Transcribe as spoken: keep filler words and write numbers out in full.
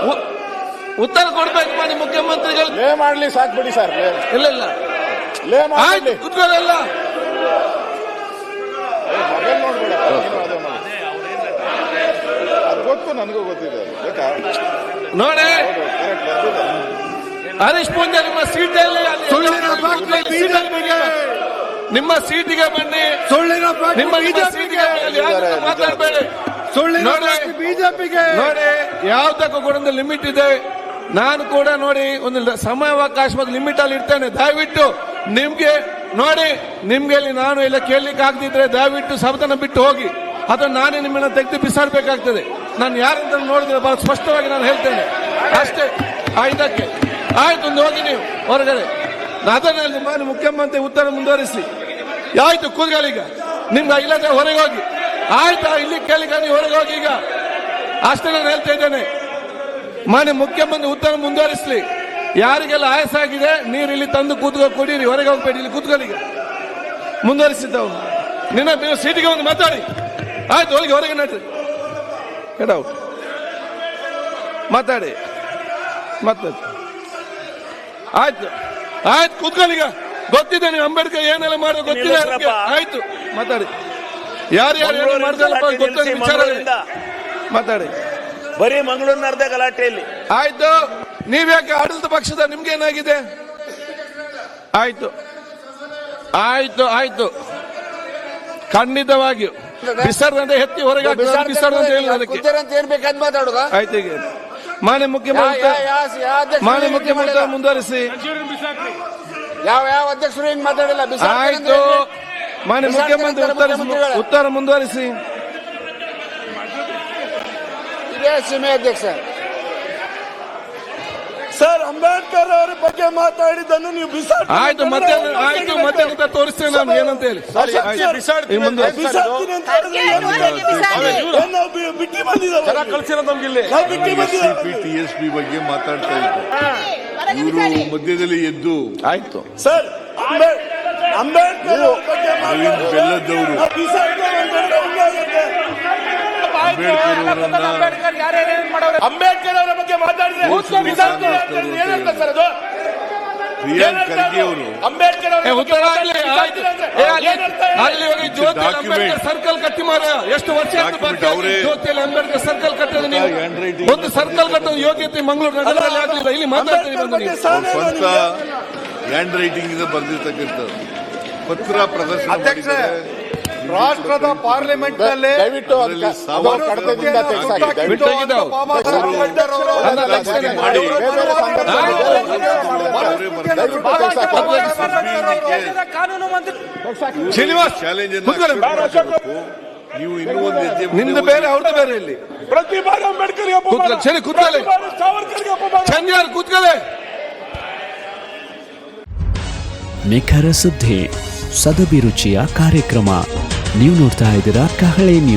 ಉತ್ತರ ಕೊಡ್ಬೇಕು ಮಾಡಿ ಮುಖ್ಯಮಂತ್ರಿಗಳು. ಲೇ ಮಾಡ್ಲಿ ಸಾಕ್ ಬಿಡಿ ಸರ್. ಇಲ್ಲ ಇಲ್ಲ ಲೇ ಮಾಡಿ ಕುತ್ಕೊಳ್ಳಲ್ಲ. ಮೊಬೈಲ್ ನೋಡ್ಬೇಡ, ಅದು ಗೊತ್ತು, ನನಗೂ ಗೊತ್ತಿದೆ. ನೋಡಿ ಹರೀಶ್ ಪೂಂಜಾ ನಿಮ್ಮ ಸೀಟಲ್ಲಿ ನಿಮ್ಮ ಸೀಟಿಗೆ ಬನ್ನಿ. ನಿಮ್ಮ ಸೀಟಿಗೆ ಮಾತಾಡಬೇಡಿ. ಬಿಜೆಪಿಗೆ ನೋಡಿ ಯಾವ್ದಕ್ಕೂ ಕೂಡ ಒಂದು ಲಿಮಿಟ್ ಇದೆ. ನಾನು ಕೂಡ ನೋಡಿ ಒಂದು ಸಮಯಾವಕಾಶ ಲಿಮಿಟ್ ಅಲ್ಲಿ ಇರ್ತೇನೆ. ದಯವಿಟ್ಟು ನಿಮ್ಗೆ ನೋಡಿ ನಿಮ್ಗೆ ನಾನು ಎಲ್ಲ ಕೇಳಲಿಕ್ಕೆ ಆಗದಿದ್ರೆ ದಯವಿಟ್ಟು ಸಭೆನ ಬಿಟ್ಟು ಹೋಗಿ, ಅಥವಾ ನಾನೇ ನಿಮ್ಮನ್ನ ತೆಗೆದು ಬಿಸಾಡಬೇಕಾಗ್ತದೆ. ನಾನು ಯಾರಂತ ನೋಡಿದ್ರೆ ಬಹಳ ಸ್ಪಷ್ಟವಾಗಿ ನಾನು ಹೇಳ್ತೇನೆ ಅಷ್ಟೇ. ಇದಕ್ಕೆ ಆಯ್ತು, ಒಂದು ಹೋಗಿ ನೀವು ಹೊರಗಡೆ. ಅದನ್ನಲ್ಲಿ ಮಾನ್ಯ ಮುಖ್ಯಮಂತ್ರಿ ಉತ್ತರ ಮುಂದುವರಿಸಿ. ಆಯ್ತು ಕೂತ್ಕೊಳ್ಳೀಗ, ನಿಮ್ಗೆ ಇಲ್ಲದೆ ಹೊರಗೆ ಹೋಗಿ. ಆಯ್ತಾ, ಇಲ್ಲಿ ಕೇಳಿಕ ನೀವು ಹೊರಗೆ ಹೋಗಿ ಈಗ ಅಷ್ಟೇ ನಾನು ಹೇಳ್ತಾ ಇದ್ದೇನೆ. ಮಾನ್ಯ ಮುಖ್ಯಮಂತ್ರಿ ಉತ್ತರ ಮುಂದುವರಿಸಲಿ. ಯಾರಿಗೆಲ್ಲ ಆಯಾಸ ಆಗಿದೆ ನೀರು ಇಲ್ಲಿ ತಂದು ಕೂತ್ಕೊ ಕುಡೀರಿ, ಹೊರಗೆ ಹೋಗ್ಬೇಡಿ, ಇಲ್ಲಿ ಕೂತ್ಕೊಳ್ಳೀಗ. ಮುಂದುವರಿಸಿದ್ದವು ನಿನ್ನ ಸೀಟಿಗೆ ಒಂದು ಮಾತಾಡಿ. ಆಯ್ತು, ಹೊರಗೆ ಹೊರಗೆ ನಡ್ರಿ, ಕೆಡವು ಮಾತಾಡಿ ಮಾತಾಡಿ. ಆಯ್ತು ಆಯ್ತು ಕೂತ್ಕೊಳ್ಳೀಗ. ಗೊತ್ತಿದೆ ನೀವು ಅಂಬೇಡ್ಕರ್ ಏನೆಲ್ಲ ಮಾಡೋ ಗೊತ್ತಿದೆ. ಆಯ್ತು ಮಾತಾಡಿ. ಯಾರು ಯಾರು ಮಾಡ್ದಲ್ಲ ಗೊತ್ತಿದೆ ವಿಚಾರ ಮಾತಾಡಿ. ಬರೀ ಮಂಗಳೂರು ನಡೆದ ಗಲಾಟೆಯಲ್ಲಿ. ಆಯ್ತು, ನೀವ್ಯಾಕೆ ಆಡಳಿತ ಪಕ್ಷದ ನಿಮ್ಗೆ ಏನಾಗಿದೆ? ಆಯ್ತು ಆಯ್ತು ಆಯ್ತು ಖಂಡಿತವಾಗಿಯೂ ಬಿಸರ್ದಂತೆ ಎತ್ತಿ ಹೊರಗೆ ಬಿಸರ್ದಂತೆ ಆಯ್ತು. ಈಗ ಮಾನ್ಯ ಮುಖ್ಯಮಂತ್ರಿ ಮಾನ್ಯ ಮುಖ್ಯಮಂತ್ರಿ ಮುಂದುವರಿಸಿ. ಯಾವ ಯಾವ ಅಧ್ಯಕ್ಷರು ಹಿಂಗ್ ಮಾತಾಡಿಲ್ಲ. ಆಯ್ತು, ಮಾನ್ಯ ಮುಖ್ಯಮಂತ್ರಿ ಉತ್ತರ ಉತ್ತರ ಮುಂದುವರಿಸಿ. ಇದೇ ಸೀಮೆ ಅಧ್ಯಕ್ಷ ಸರ್, ಅಂಬೇಡ್ಕರ್ ಅವರ ಬಗ್ಗೆ ಮಾತಾಡಿದ್ದನ್ನು ನೀವು ಬಿಸಾಡಿ. ಆಯ್ತು, ಮತ್ತೆ ಆಯ್ತು ಮತ್ತೆ ಅಂತ ತೋರಿಸ್ತೇನೆ ನಾನು ಏನಂತ ಹೇಳಿ. ಬಿಟ್ಟಿ ಬಂದಿದ್ದಾರೆ ಕಳ್ಸಿರೋ ನಮ್ಗೆ ಇಲ್ಲಿ ಟಿಎಸ್ಪಿ ಬಗ್ಗೆ ಮಾತಾಡ್ತಾ ಇದ್ರು ಇವರು ಮಧ್ಯದಲ್ಲಿ ಎದ್ದು. ಆಯ್ತು ಸರ್, ಅಂಬೇಡ್ಕರ್ ಅರವಿಂದ್ ಬೆಲ್ಲದವರು ಅಂಬೇಡ್ಕರ್ ಅವರ ಬಗ್ಗೆ ಮಾತಾಡಿದ್ರೆ ಪ್ರಿಯಾಂಕ್ ಖರ್ಗೆ ಅವರು ಅಂಬೇಡ್ಕರ್ ಸರ್ಕಲ್ ಕಟ್ಟಿ ಮಾರ ಎಷ್ಟು ವರ್ಷ ಜ್ಯೋತಿಯಲ್ಲಿ ಅಂಬೇಡ್ಕರ್ ಸರ್ಕಲ್ ಕಟ್ಟೋದು ನೀವು. ಒಂದು ಸರ್ಕಲ್ ಕಟ್ಟೋದು ಯೋಗ್ಯತೆ ಮಂಗಳೂರು ನಗರದಲ್ಲಿ ಆಗಲಿಲ್ಲ. ಇಲ್ಲಿ ಮಾತಾಡ್ತೀವಿ ಸ್ವಂತ ಹ್ಯಾಂಡ್ ರೈಟಿಂಗ್ ಇಂದ ಬರೆದಿರ್ತಕ್ಕಂಥದ್ದು ಪತ್ರ ಪ್ರದರ್ಶನ ಮಾಡಿದ್ದಾರೆ. ರಾಷ್ಟ್ರದ ಪಾರ್ಲಿಮೆಂಟ್ ನಲ್ಲಿ ದಯವಿಟ್ಟು ಕಡತದಿಂದ ಶ್ರೀನಿವಾಸ್ ಚಾಲೆಂಜ್ ನೀವು ಇನ್ನೂ ಒಂದು ಹೆಜ್ಜೆ ನಿಮ್ದು ಬೇರೆ ಅವ್ರದ್ದು ಬೇರೆ. ಇಲ್ಲಿ ಪ್ರತಿ ಬಾರಿ ಅಂಬೇಡ್ಕರ್ ಸರಿ ಕೂತ್ಕೊಳ್ಳಿ, ಚಂದ್ಯಾರ್ ಕೂತ್ಕೊಳ್ಳಿ. ನಿಖರ ಸುದ್ದಿ, ಸದಭಿರುಚಿಯ ಕಾರ್ಯಕ್ರಮ. ನೀವು ನೋಡ್ತಾ ಇದ್ದೀರಾ ಕಹಳೆ ನ್ಯೂಸ್.